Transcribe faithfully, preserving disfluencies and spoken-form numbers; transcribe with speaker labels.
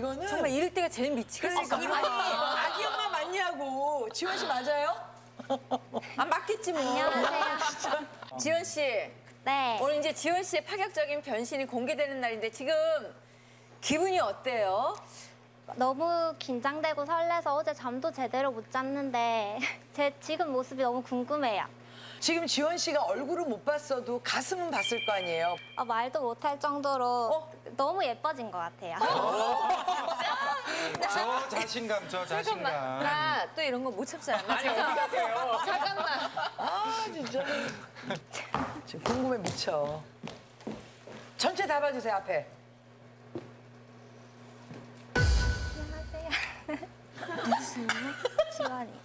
Speaker 1: 이거는
Speaker 2: 정말 이럴 때가 제일 미치겠어.
Speaker 1: 그러니까 아니 아기 엄마 맞냐고. 지원 씨 맞아요?
Speaker 2: 아, 맞겠지 뭐.
Speaker 3: 안녕하세요.
Speaker 2: 지원 씨,
Speaker 3: 네.
Speaker 2: 오늘 이제 지원 씨의 파격적인 변신이 공개되는 날인데 지금 기분이 어때요?
Speaker 3: 너무 긴장되고 설레서 어제 잠도 제대로 못 잤는데 제 지금 모습이 너무 궁금해요.
Speaker 1: 지금 지원 씨가 얼굴은 못 봤어도 가슴은 봤을 거 아니에요.
Speaker 3: 아, 말도 못할 정도로
Speaker 2: 어?
Speaker 3: 너무 예뻐진 것 같아요.
Speaker 4: 저 자신감, 저 자신감.
Speaker 2: 나 또 이런 거 못 참잖아. 나 잠깐, 잠깐만.
Speaker 1: 아 진짜. 지금 궁금해 미쳐. 전체 다 봐주세요 앞에.
Speaker 3: 안녕하세요. 누구세요? 지원이.